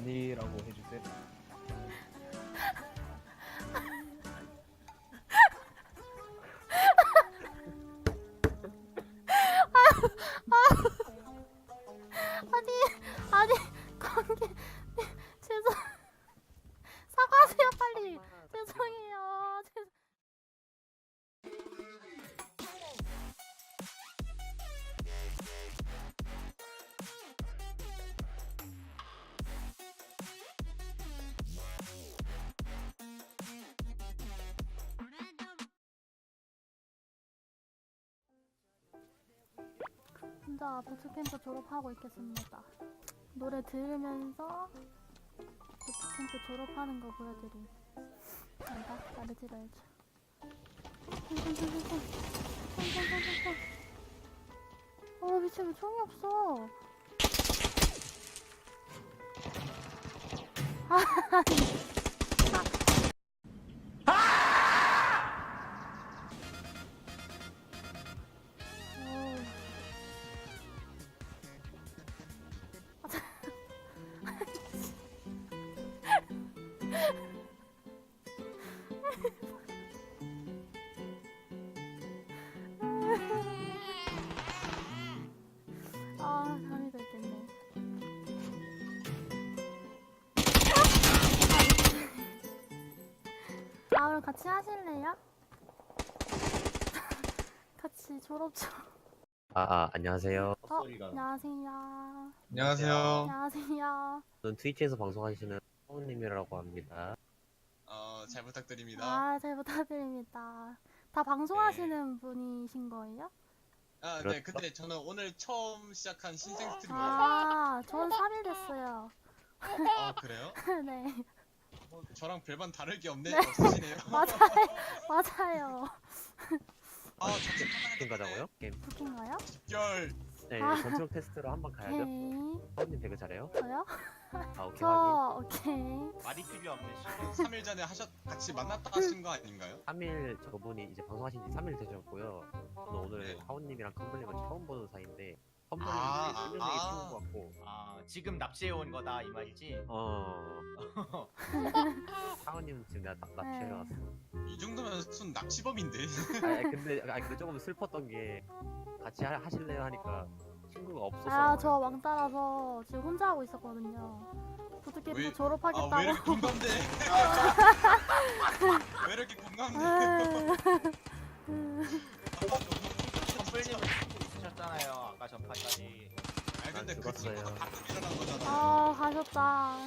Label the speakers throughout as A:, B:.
A: 아니라고 해주세요.
B: 아니 관계 죄송 사과하세요 빨리. 죄송해요. 혼자 부트캠프 졸업하고 있겠습니다. 노래 들으면서 부트캠프 졸업하는 거 보여드림. 간다. 나를 들어야죠. 미친 왜 총이 없어? 잠이 들겠네. 그럼 같이 하실래요? 같이 졸업 좀.
C: 안녕하세요.
B: 안녕하세요.
D: 안녕하세요.
B: 안녕하세요.
C: 저는 트위치에서 방송하시는 성우님이라고 합니다.
D: 잘 부탁드립니다.
B: 잘 부탁드립니다. 다 방송하시는 분이신 거예요?
D: 네,
C: 그렇죠?
D: 근데 저는 오늘 처음 시작한 신생 스트리머예요.
B: 전 3일 됐어요.
D: 그래요?
B: 네.
D: 저랑 별반 다를 게
B: 네.
D: 없으시네요.
B: 맞아요.
D: 자체
C: 게임 가자고요? 게임.
B: 부킹가요?
D: 집결.
C: 네,
B: 아.
C: 전투력 테스트로 한번 가야죠.
B: 오케이.
C: 성우님 되게 잘해요.
B: 저요?
C: 오케이 확인.
B: 오케이.
E: 말이 필요 없네.
D: 3일 전에 같이 만났다 하신 거 아닌가요?
C: 3일 저분이 이제 방송하신 지 3일 되셨고요. 저는 오늘
D: 네.
C: 하온님이랑 컴블링을 처음 보는 사이인데 컴블링이
D: 아,
C: 수명이
D: 아.
C: 쉬운 것 같고
E: 지금 납치해 온 거다 이 말이지.
C: 하온님은 지금 내가 납치해 왔어.
D: 이 정도면 순 납치범인데.
C: 근데 조금 슬펐던 게 같이 하실래요 하니까 친구가 없어서.
B: 저 왕따라서 지금 혼자 하고 있었거든요. 부트캠프
D: 왜
B: 졸업하겠다고.
D: 이렇게 공감돼? 왜 이렇게 공감돼?
E: 컴플님은 친구 있으셨잖아요. 아까 전판까지.
D: 근데
C: 난
D: 그
C: 죽었어요.
D: 친구가 방금 일어난 거잖아.
B: 가셨다.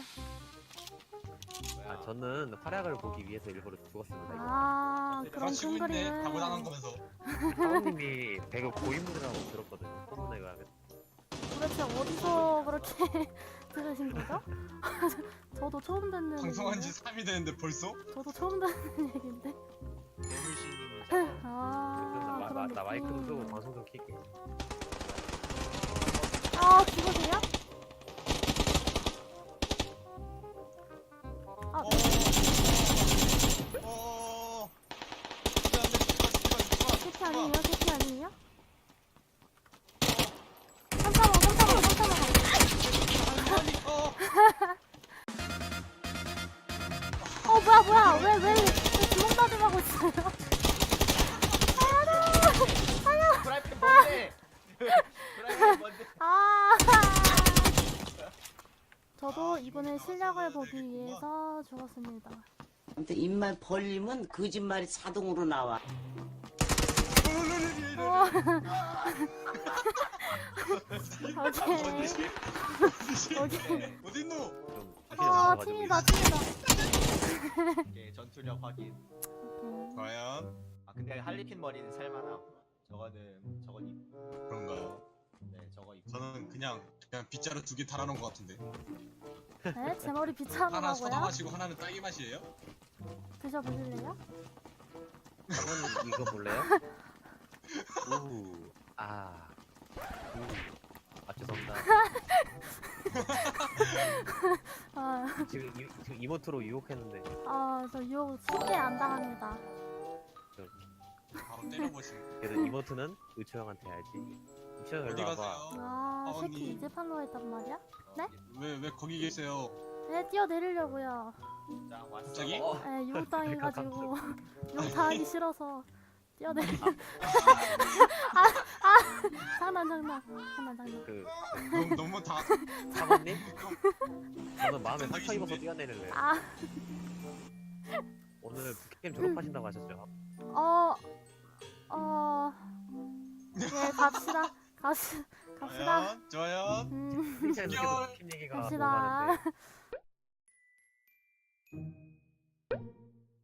E: 뭐야?
C: 저는 활약을 보기 위해서 일부러 죽었습니다.
B: 그런
D: 치고
B: 큰
D: 있네.
B: 그림을.
D: 바보 당한 거면서.
C: 하온님이 배그 고인물이라고 들었거든요. 소문에 가면.
B: 도대체 어디서 그렇게 들으신 거죠? 저도 처음 듣는
D: 방송한 지
B: 얘기인데?
D: 3일 됐는데 벌써?
B: 저도 처음 듣는 얘기인데?
E: 뇌물신님이잖아.
B: 그런
C: 나 마이크 좀 끄고
B: 느낌.
C: 방송 좀 킬게.
B: 죽으세요? 캐피 아니에요? 캐피 아니에요? 335. 뭐야 왜 주먹 다짐하고 있어요?
E: 프라이팬 뭔데? 프라이팬 뭔데?
B: 저도 이번에 실력을 보기 위해서 죽었습니다.
F: 아무튼 입만 벌리면 거짓말이 자동으로 나와.
B: 오케이.
D: 어딨노?
C: 좀
B: 팀이다.
E: 오케이, 전투력 확인.
D: 과연
E: 근데 할리퀸 머리는 살만함. 저건
D: 그런가요?
E: 네, 저거 입.
D: 저는 그냥 빗자루 2개 달아놓은 것 같은데.
B: 네? 제 머리
D: 하나
B: 비참하고요?
D: 소다 마시고 하나는 딸기 맛이에요?
B: 드셔보실래요?
C: 한번 이거 볼래요? 죄송합니다. 지금 이모트로 유혹했는데
B: 저 유혹 쉽게 안 당합니다.
D: 바로 때려보시고.
C: 그래도 이모트는 의초 형한테 해야지. 의초 형
D: 어디
C: 일로
D: 가세요?
C: 와봐.
B: 새끼
D: 아버님.
B: 이제 팔로우 했단 말이야?
D: 왜 거기 계세요?
B: 네, 뛰어내리려고요.
E: 자 왔어.
D: 갑자기?
B: 네, 유혹당해가지고 유혹당하기 싫어서 뛰어내리. 장난.
C: 그
D: 너무 다
C: 사모님? 저는 마음에
D: 하기
C: 상처 입어서
D: 싫네.
C: 뛰어내릴래요.
B: 아,
C: 오늘 북캠 졸업하신다고 하셨죠?
B: 네, 갑시다. 갑시다.
D: 좋아요.
C: 칭찬
D: 귀여워.
C: 계속 북캠 얘기가 너무
B: 갑시다.
C: 많은데.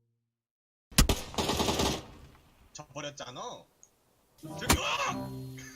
D: 저 버렸잖아. 저기 와!